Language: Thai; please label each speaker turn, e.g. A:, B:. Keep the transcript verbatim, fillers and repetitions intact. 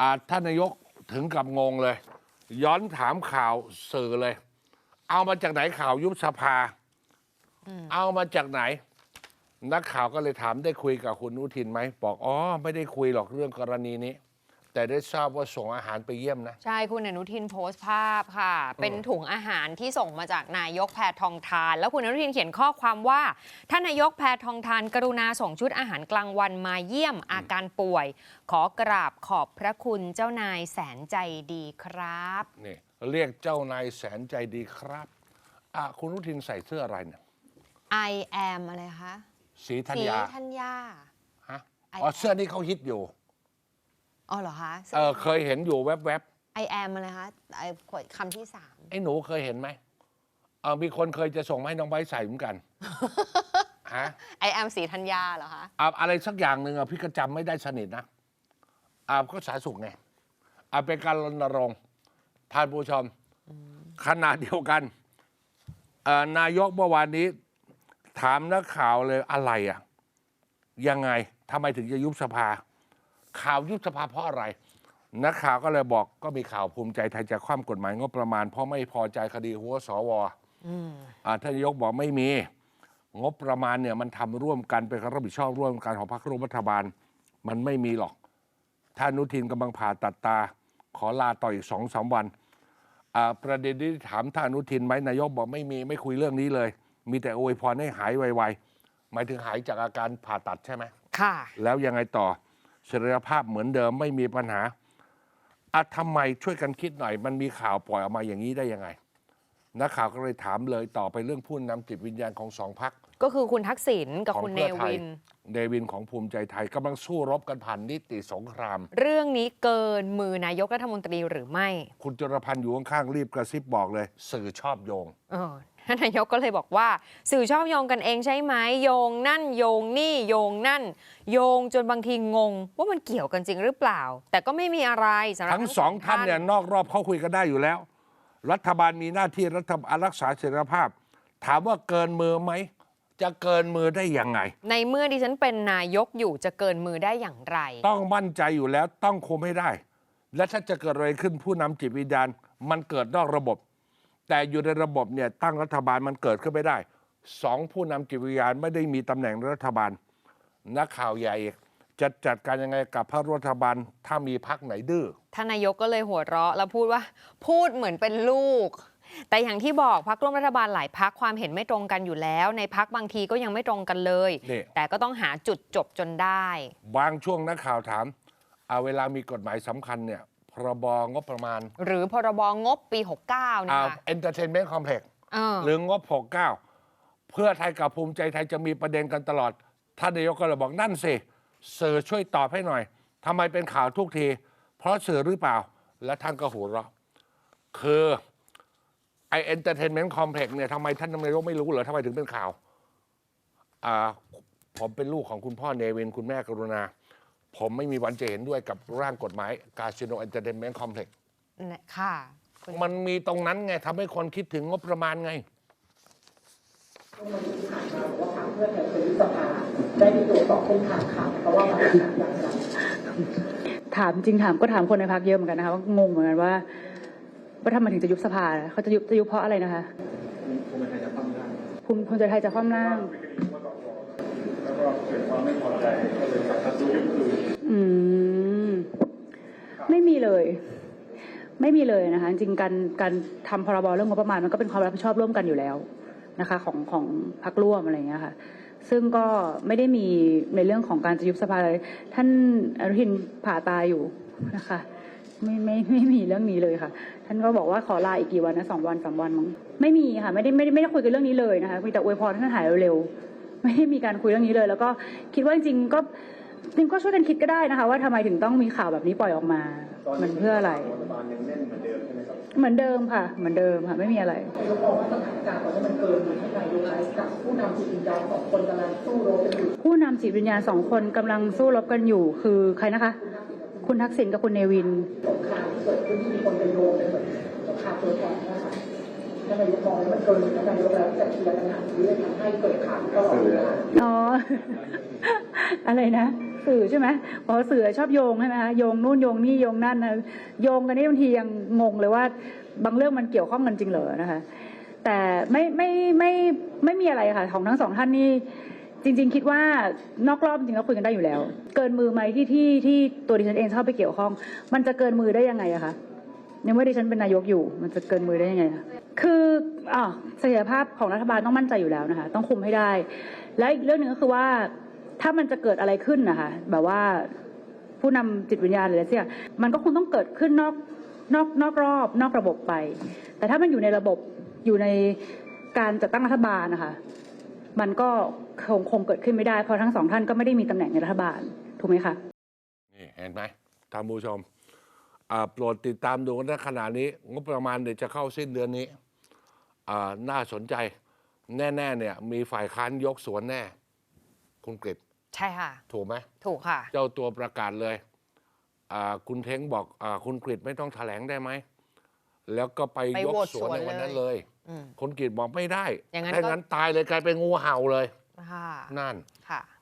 A: อ่าท่านนายกถึงกับงงเลย ย้อนถามข่าวสื่อเลย เอามาจากไหนข่าวยุบสภาเอามาจากไหน นักข่าวก็เลยถามได้คุยกับคุณอนุทินไหมบอกอ๋อไม่ได้คุยหรอกเรื่องกรณีนี้ แต่ได้ทราบว่าส่งอาหารไปเยี่ยมนะ
B: ใช่คุณอนุทินโพสต์ภาพค่ะเป็นถุงอาหารที่ส่งมาจากนายกแพทองทานแล้วคุณอนุทินเขียนข้อความว่าท่านนายกแพทองทานกรุณาส่งชุดอาหารกลางวันมาเยี่ยมอาการป่วย ขอกราบขอบพระคุณเจ้านายแสนใจดีครับ
A: นี่เรียกเจ้านายแสนใจดีครับอ่ะคุณอนุทินใส่เสื้ออะไรเนี่ย
B: I am อะไรคะ
A: สีธัญญา
B: สีธัญญา
A: ฮะอ๋อเสื้อนี้เขาฮิตอยู่
B: อ๋อเหรอคะ
A: เออเคยเห็นอยู่แวบ
B: ๆ I am อะไรคะไอ้คำที่สาม
A: ไอ้หนูเคยเห็นไหมเออมีคนเคยจะส่งมาให้น้องไบร์ทใส่เหมือนกันฮะ
B: I am สีธัญญาเหรอคะ
A: อ่าอะไรสักอย่างหนึ่งอ่ะพี่ก็จำไม่ได้สนิทนะอ่าก็สาธารณสุขไงอ่าเป็นการรณรงค์ท่านผู้ชมขณะเดียวกันนายกเมื่อวานนี้ถามนักข่าวเลยอะไรอ่ะยังไงทำไมถึงจะยุบสภาข่าวยุบสภาเพราะอะไรนักข่าวก็เลยบอกก็มีข่าวภูมิใจไทยจะคว่ำกฎหมายงบประมาณเพราะไม่พอใจคดีหัวสวท่านนายกบอกไม่มีงบประมาณเนี่ยมันทำร่วมกันเป็นความรับผิดชอบร่วมกันของพรรคร่วมรัฐบาลมันไม่มีหรอกท่านอนุทินกำลังผ่าตัดตาขอลาต่ออีกสองสามวันประเด็นที่ถามท่านอนุทินไหมนายกบอกไม่มีไม่คุยเรื่องนี้เลยมีแต่อวยพรให้หายไวๆหมายถึงหายจากอาการผ่าตัดใช่ไหม
B: ค่ะ
A: แล้วยังไงต่อศักยภาพเหมือนเดิมไม่มีปัญหาอ่ะทำไมช่วยกันคิดหน่อยมันมีข่าวปล่อยออกมาอย่างนี้ได้ยังไงนักข่าวก็เลยถามเลยต่อไปเรื่องผู้นำจิตวิญญาณของสองพรรค
B: ก็คือคุณทักษิณกับคุณเนวิน
A: เนวินของภูมิใจไทยกำลังสู้รบกันผ่านนิติสงคราม
B: เรื่องนี้เกินมือนายกรัฐมนตรีหรือไม่
A: คุณจุลพันธ์อยู่ข้างๆรีบกระซิบบอกเลยสื่อชอบโยง
B: เออท่านนายกก็เลยบอกว่าสื่อชอบโยงกันเองใช่ไหมโยงนั่นโยงนี่โยงนั่นโยงจนบางทีงงว่ามันเกี่ยวกันจริงหรือเปล่าแต่ก็ไม่มีอะไรสำหรับ
A: ทั้งสองท่านเนี่ยนอกรอบเขาคุยกันได้อยู่แล้วรัฐบาลมีหน้าที่รัฐบาลรักษาเสรีภาพถามว่าเกินมือไหมจะเกินมือได้ยังไง
B: ในเมื่อดิฉันเป็นนายกอยู่จะเกินมือได้อย่างไร
A: ต้องมั่นใจอยู่แล้วต้องคุมให้ได้และถ้าจะเกิดอะไรขึ้นผู้นำจิตวิญญาณมันเกิดนอกระบบแต่อยู่ในระบบเนี่ยตั้งรัฐบาลมันเกิดขึ้นไม่ได้สองผู้นำจิตวิญญาณไม่ได้มีตำแหน่งรัฐบาลนักข่าวใหญ่จะจัดการยังไงกับพรรครัฐบาลถ้ามีพรรคไหนดื้อ
B: ท่านนายกก็เลยหัวเราะแล้วพูดว่าพูดเหมือนเป็นลูกแต่อย่างที่บอกพรรคร่วมรัฐบาลหลายพรรคความเห็นไม่ตรงกันอยู่แล้วในพรรคบางทีก็ยังไม่ตรงกันเลยแต่ก็ต้องหาจุดจบจนได้
A: บางช่วงนักข่าวถามเอาเวลามีกฎหมายสำคัญเนี่ยพรบงบประมาณ
B: หรือพรบงบปีหกสิบเก้าเนี่ยค่ะ
A: Entertainment Complex หรืองบหกสิบเก้าเพื่อไทยกับภูมิใจไทยจะมีประเด็นกันตลอดท่านนายกก็เลยบอกนั่นสิสื่อช่วยตอบให้หน่อยทำไมเป็นข่าวทุกทีเพราะสื่อหรือเปล่าและท่านก็หัวเราะคือไอ Entertainment Complex เนี่ยทำไมท่านนายกไม่รู้เหรอทำไมถึงเป็นข่าวอ่าผมเป็นลูกของคุณพ่อเนวินคุณแม่กรุณาผมไม่มีวันจะเห็นด้วยกับร่างกฎหมายคาสิโน Entertainment Complex
B: ค่ะ
A: มันมีตรงนั้นไงทำให้คนคิดถึงงบประมาณไง
C: วันที่ผ่านมาบอกว่าทางเพื่อไทยเคยยุบสภาได้มีตัวสอบเส้นทางข่าวเพราะว่ามันเป็นอย่างไร
D: ถามจริงถามก็ถามคนในพรรคเยอะเหมือนกันนะคะว่างงเหมือนกันว่าว่าทำไมถึงจะยุบสภาเขาจะยุบจะยุบเพราะอะไรนะคะภูมิใจไทยจะคว่ำร่างภูมิใจไทยจะคว่ำร่าง
E: แล้วก็เกิดความไม่พอใจก็เลยกลับมาสู้ยุบคืน
D: อืมไม่มีเลยไม่มีเลยนะคะจริงการการทำพรบเรื่องงบประมาณมันก็เป็นความรับผิดชอบร่วมกันอยู่แล้วนะคะของของพรรคร่วมอะไรอย่างเงี้ยค่ะซึ่งก็ไม่ได้มีในเรื่องของการจะยุบสภาเลยท่านอนุทินผ่าตาอยู่นะคะไม่ไม่ไม่มีเรื่องนี้เลยค่ะท่านก็บอกว่าขอลาอีกกี่วันนะสองวันสามวันมั้งไม่มีค่ะไม่ได้ไม่ได้ไม่ได้คุยกันเรื่องนี้เลยนะคะมีแต่อวยพรท่านหายเร็วๆไม่ได้มีการคุยเรื่องนี้เลยแล้วก็คิดว่าจริงๆก็จริงก็ช่วยกันคิดก็ได้นะคะว่าทำไมถึงต้องมีข่าวแบบนี้ปล่อยออกมามันเพื่ออะไรเหมือนเดิมค่ะเหมือนเดิมค่ะไม่มีอะไร
C: นายกบอกว่าสถานการณ์ตอนนี้มันเกินอยู่ที่นายกกับผู้นำจิตวิญญาณสองคนกำลังสู้รบกันอยู่
D: ผู้นำจิตวิญญาณสองคนกำลังสู้รบกันอยู่คือใครนะคะคุณทักษิณกับคุณเนวิน
C: สงครามที่เกิดขึ้นที่มีคนไปโยงเป็นเหมือนสงครามตัวแทนนะคะถ้านายกมองว่ามันเกินอยู่ที่นายกแล้วจะเคลียร์ปัญหานี้เลยทำให้เกิดข่าวตลอดเวลา
D: อ๋ออะไรนะสื่อใช่ไหมพอสื่อชอบโยงใช่ไหมคะโยงนู่นโยงนี่โยงนั่นนะโยงกันนี่บางทียังงงเลยว่าบางเรื่องมันเกี่ยวข้องกันจริงเหรอนะคะแต่ไม่ไม่ไม่ไม่มีอะไรค่ะของทั้งสองท่านนี่จริงๆคิดว่านอกรอบจริงๆเราคุยกันได้อยู่แล้ว เกินมือไหมที่ที่ที่ตัวดิฉันเองเข้าไปเกี่ยวข้องมันจะเกินมือได้ยังไงอะคะในเมื่อดิฉันเป็นนายกอยู่มันจะเกินมือได้ยังไงคะคืออ่าเสถียรภาพของรัฐบาลต้องมั่นใจอยู่แล้วนะคะต้องคุมให้ได้และอีกเรื่องหนึ่งก็คือว่าถ้ามันจะเกิดอะไรขึ้นนะคะแบบว่าผู้นำจิตวิญญาณหรืออะไรสักอย่างมันก็คงต้องเกิดขึ้นนอกนอกนอกรอบนอกระบบไป แต่ถ้ามันอยู่ในระบบอยู่ในการจัดตั้งรัฐบาลนะคะมันก็คงคงเกิดขึ้นไม่ได้เพราะทั้งสองท่านก็ไม่ได้มีตำแหน่งในรัฐบาลถูกไหมคะ
A: นี่เห็นไหมท่านผู้ชมอ่าโปรดติดตามดูกันนะขณะนี้งบประมาณเดี๋ยวจะเข้าสิ้นเดือนนี้อ่าน่าสนใจแน่ๆเนี่ยมีฝ่ายค้านยกสวนแน่คุณกฤษ
B: ใช่ค่ะ
A: ถูกไหม
B: ถูกค่ะ
A: เจ้าตัวประกาศเลยอ่าคุณเท้งบอกอาคุณกฤษไม่ต้องแถลงได้ไหมแล้วก็ไป
B: ไป
A: ยก
B: โหวต
A: สวนใน
B: สวน
A: วันนั้น
B: เล
A: เลย ย
B: อืม
A: คุณกฤษบอกไม่ได้
B: อย่างนั้น
A: ถ้า
B: ก็
A: งั้นตายเลยกลายเป็นงูเห่าเลย
B: ค่ะ
A: นั่น
B: ค่ะ